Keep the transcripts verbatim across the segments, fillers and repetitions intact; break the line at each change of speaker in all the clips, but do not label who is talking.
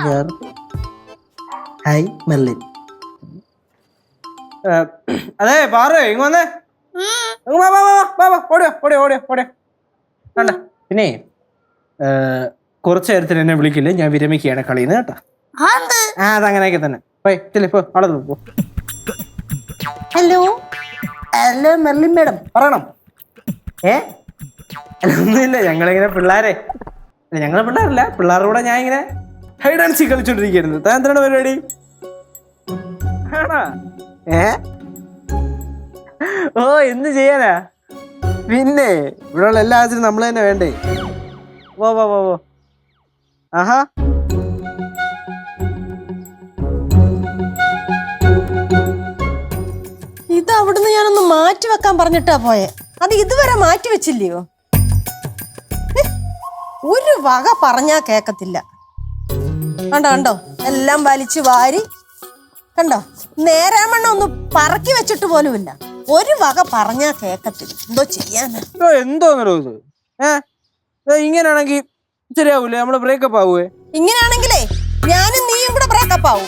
Hi Merlin. അതെ പാറേ ഇങ്ങ വന്നേ. ഓടിയോ ഓടിയോ ഓടിയോ ഓടിയോ വേണ്ട. പിന്നെ കുറച്ചു നേരത്തിന് എന്നെ വിളിക്കില്ലേ, ഞാൻ വിരമിക്കുകയാണ് കളിന്ന് കേട്ടോ. ആ അതങ്ങനെയൊക്കെ തന്നെ. പോയി ഇപ്പൊ അവിടെ പോ. ഹലോ ഹലോ മെർലിൻ മേഡം പറയണം. ഏ ഒന്നുമില്ല, ഞങ്ങളിങ്ങനെ പിള്ളേരെ ഞങ്ങളെ പിള്ളേരല്ല പിള്ളേരുടെ കൂടെ ഞാൻ ഇങ്ങനെ ഹൈഡ് ആൻഡ് സീക്ക് കളിച്ചോണ്ടിരിക്കുന്നു. താൻ എന്താണ് പരിപാടി? ആണോ? ഏ ഓ എന്ത് ചെയ്യാനാ പിന്നെ, ഇവിടെയുള്ള എല്ലാ ആവശ്യത്തിനും നമ്മൾ തന്നെ വേണ്ടേ. വോ വോ വോ വോ ആഹാ
ഇത് അവിടുന്ന് ഞാനൊന്ന് മാറ്റി വെക്കാൻ പറഞ്ഞിട്ടാ പോയെ, അത് ഇതുവരെ മാറ്റി വെച്ചില്ലയോ? ഒരു വക പറഞ്ഞാ കേക്കത്തില്ല. കണ്ടോ കണ്ടോ എല്ലാം വലിച്ചു വാരി കണ്ടോ, നേരാമണ്ണം ഒന്ന് പറക്കി വെച്ചിട്ട് പോലുമില്ല. ഒരു വക പറഞ്ഞാ കേക്കത്തില്ല. എന്തോ ചെയ്യാനാ?
എന്തോന്നോ ഇത്? ഏ ഇങ്ങനെയാണെങ്കിൽ ശരിയാവൂലേ? നമ്മള് ബ്രേക്കപ്പ് ആവൂവേ?
ഇങ്ങനെയാണെങ്കിലേ ഞാനും നീയും കൂടെ ബ്രേക്കപ്പ് ആവും.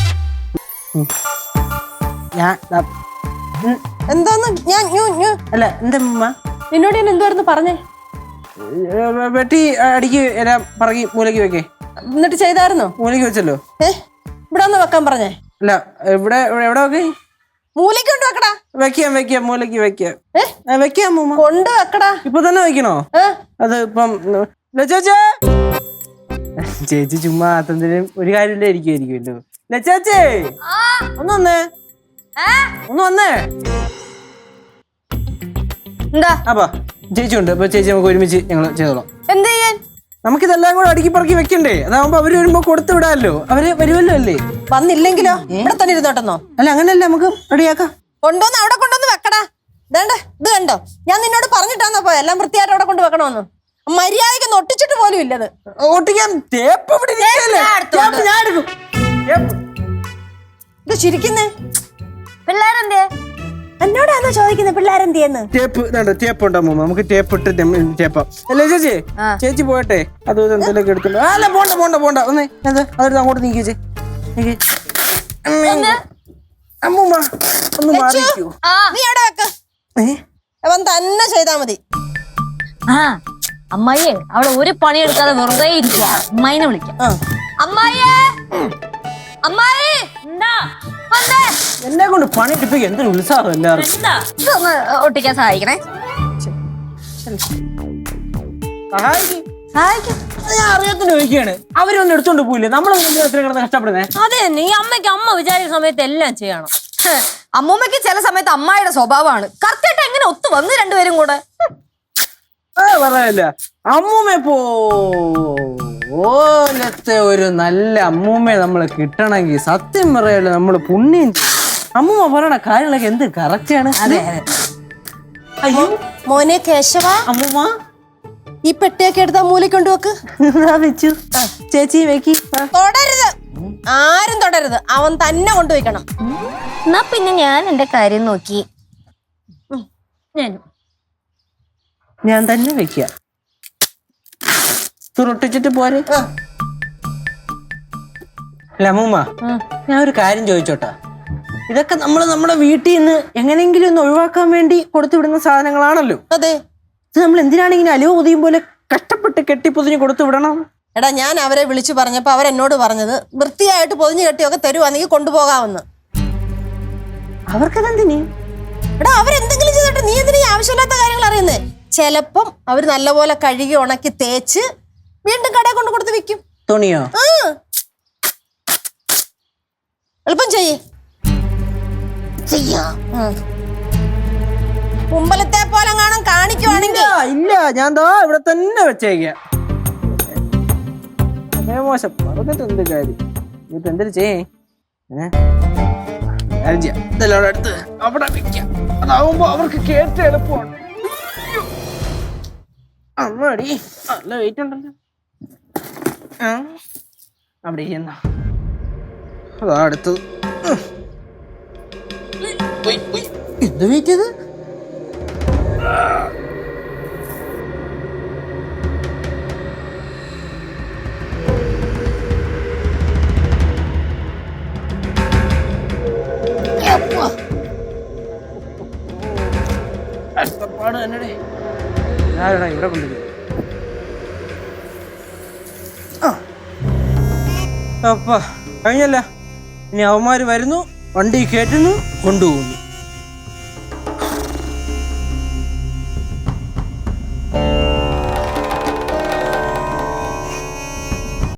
എന്തോന്ന് ഞാൻ
അല്ല എന്താ
നിന്നോട് ഞാൻ എന്തുവായിരുന്നു പറഞ്ഞേ?
വെട്ടി അടിക്ക് എല്ലാം പറക്കി മൂലക്ക് വെക്കേ.
എന്നിട്ട് ചെയ്തായിരുന്നോ?
മൂലക്ക് വെച്ചല്ലോ.
ഏ ഇവിടെ ഒന്ന് വെക്കാൻ പറഞ്ഞേ.
അല്ല ഇവിടെ എവിടെ വെക്കേ?
മൂലക്ക് കൊണ്ട് വെക്കടാ.
വെക്കാം വെക്കാം മൂലക്ക് വെക്കാം വെക്കാം
കൊണ്ട് വെക്കടാ.
ഇപ്പൊ തന്നെ വെക്കണോ? അത് ഇപ്പം ചേച്ചി ചേച്ചി ചുമ്മാ അതെന്തിനും ഒരു കാര്യം ഇരിക്കുമായിരിക്കുമല്ലോ. ചേച്ചി ഒന്ന് വന്നേ ഒന്ന് വന്നേ.
എന്താ
അപ്പൊ ചേച്ചി ഉണ്ട്. അപ്പൊ ചേച്ചി നമുക്ക് ഒരുമിച്ച് ഞങ്ങള് ചെയ്തോളാം.
എന്ത് ചെയ്യാൻ?
നമുക്കിതെല്ലാം കൂടെ അടുക്കി പറക്കി വെക്കണ്ടേ? അതാവുമ്പോ അവര് വരുമ്പോ കൊടുത്തു വിടാമല്ലോ. അവര് വരുമല്ലോ അല്ലേ?
വന്നില്ലെങ്കിലോ ഇവിടെ തന്നെ ഇരുന്നോട്ടെന്നോ?
അല്ല അങ്ങനെയല്ല, നമുക്ക് റെഡിയാക്കാം.
കൊണ്ടുവന്ന് അവിടെ കൊണ്ടുവന്ന് വെക്കടാ. ഇതേണ്ട ഇത് കണ്ടോ, ഞാൻ നിന്നോട് പറഞ്ഞിട്ടാന്നോ പോയ എല്ലാം വൃത്തിയായിട്ട് അവിടെ കൊണ്ട് വെക്കണമെന്ന്. മര്യാദയ്ക്ക് ഒട്ടിച്ചിട്ട് പോലും ഇല്ലത്.
ഒട്ടിക്കാൻ ടേപ്പ് ഞാൻ എടുക്കും.
ഇത് ചിരിക്കുന്നേ പിള്ളേരെന്തേ? എന്നോടാണോ ചോദിക്കുന്നത് പിള്ളേരെന്തിയെന്ന്?
ടേപ്പ് ടേപ്പ് ഉണ്ടോ? നമുക്ക് ടേപ്പ് ഇട്ട് ടേപ്പാ. അല്ലേ ചേച്ചി? ചേച്ചി പോട്ടെ, അത് എന്തെങ്കിലും എടുത്തുണ്ടോ? അല്ല പോണ്ട പോണ്ട പോണ്ട ഒന്നേ അതെടുത്ത് അങ്ങോട്ട് നീക്കിച്ചേ. അമ്മൂമ്മ ഒന്ന് മാറിക്കൂ.
നീ അവിടെ വെക്ക, അവൻ തന്നെ ചെയ്താ മതി.
ആ അമ്മായിയെ അവിടെ ഒരു പണി എടുക്കാതെ വെറുതെ ഇരിക്കുക. അമ്മായിനെ വിളിക്കാം. അമ്മായിയെ അമ്മായി എന്താ
എന്നെ കൊണ്ട് പണിയെടുപ്പിക്കുക. എന്തൊരു ഉത്സാഹം എല്ലാവരും.
ഇതൊന്ന് ഒട്ടിക്കാൻ സഹായിക്കണേ.
ഞാൻ അറിയാത്തോണ്ട് ചോദിക്കുകയാണ്. അവരൊന്നും എടുത്തോണ്ട് പോയില്ലേ? നമ്മളൊന്നും കഷ്ടപ്പെടുന്നേ.
അതെ തന്നെ, ഈ അമ്മയ്ക്ക് അമ്മ വിചാരിച്ച സമയത്ത് എല്ലാം ചെയ്യണം. അമ്മൂമ്മയ്ക്ക് ചില സമയത്ത് അമ്മായിയുടെ സ്വഭാവമാണ്. കറക്റ്റായിട്ട് എങ്ങനെ ഒത്തു വന്ന് രണ്ടുപേരും കൂടെ
പറയല്ല. അമ്മൂമ്മ പോലത്തെ ഒരു നല്ല അമ്മൂമ്മയെ നമ്മള് കിട്ടണമെങ്കിൽ സത്യം പറയല്ലോ നമ്മള് പുണ്യം. അമ്മൂമ്മ പറയണ കാര്യങ്ങളൊക്കെ എന്ത് കറക്റ്റാണ്.
അതെ
അയ്യോ
മോനെ കേശവ,
അമ്മൂമ്മ
ഈ പെട്ടിയൊക്കെ എടുത്താ മൂലയ്ക്ക് കൊണ്ടുവെക്ക്.
വെച്ചു ചേച്ചി വെക്കി.
തൊടരുത്, ആരും തൊടരുത്. അവൻ തന്നെ കൊണ്ടുവയ്ക്കണം.
എന്നാ പിന്നെ ഞാൻ എന്റെ കാര്യം നോക്കി ഞാനും
ഞാൻ തന്നെ വെക്ക. തുറട്ടിച്ചിട്ട് പോരെ. അല്ല അമ്മൂമ്മ, ഞാൻ ഒരു കാര്യം ചോദിച്ചോട്ടാ. ഇതൊക്കെ നമ്മൾ നമ്മുടെ വീട്ടിൽ നിന്ന് എങ്ങനെയെങ്കിലും ഒന്ന് ഒഴിവാക്കാൻ വേണ്ടി കൊടുത്തുവിടുന്ന സാധനങ്ങളാണല്ലോ.
അതെ,
ഇത് നമ്മൾ എന്തിനാണെങ്കിലും അലുവ പൊതിയും പോലെ കഷ്ടപ്പെട്ട് കെട്ടി പൊതിഞ്ഞ് കൊടുത്തു വിടണം.
എടാ ഞാൻ അവരെ വിളിച്ചു പറഞ്ഞപ്പോ അവരെന്നോട് പറഞ്ഞത് വൃത്തിയായിട്ട് പൊതിഞ്ഞു കെട്ടിയൊക്കെ തരുവാണെങ്കിൽ കൊണ്ടുപോകാമെന്ന്.
അവർക്കതെന്തിന്?
എടാ അവരെന്തെങ്കിലും ചെയ്തിട്ട് നീ എന്തിനാ ആവശ്യമില്ലാത്ത കാര്യങ്ങൾ അറിയുന്നേ? ചിലപ്പം അവര് നല്ലപോലെ കഴുകി ഉണക്കി തേച്ച് വീണ്ടും കടയിൽ കൊണ്ട് കൊടുത്ത് വിൽക്കും.
തുണിയോ?
എളുപ്പം ചെയ്യേ. കുമ്പലത്തെ പോലെ കാണാൻ കാണിക്കുവാണെങ്കിൽ
ഇല്ല, ഞാൻ ദാ ഇവിടെ തന്നെ വെച്ചേക്ക. മോശം പറഞ്ഞിട്ട് എന്ത് കാര്യം? ഇപ്പൊ എന്തൊരു ചെയ്യേ? ഇതെല്ലാം അടുത്ത് അവിടെ വെക്കാം. അതാവുമ്പോ അവർക്ക് കേട്ട് എളുപ്പമാണ്. അമ്മടി നല്ല വെയിറ്റ് ഉണ്ടല്ലോ. അവിടെ എന്നാ അതാ അടുത്തത്. എന്ത് വെയിറ്റ് ചെയ്ത്? കഷ്ടപ്പാട് തന്നെ. ആരാടാ ഇവിടെ കൊണ്ടുപോയി? അപ്പ കഴിഞ്ഞല്ല. ഇനി അവന്മാര് വരുന്നു, വണ്ടി കയറ്റുന്നു, കൊണ്ടുപോകുന്നു.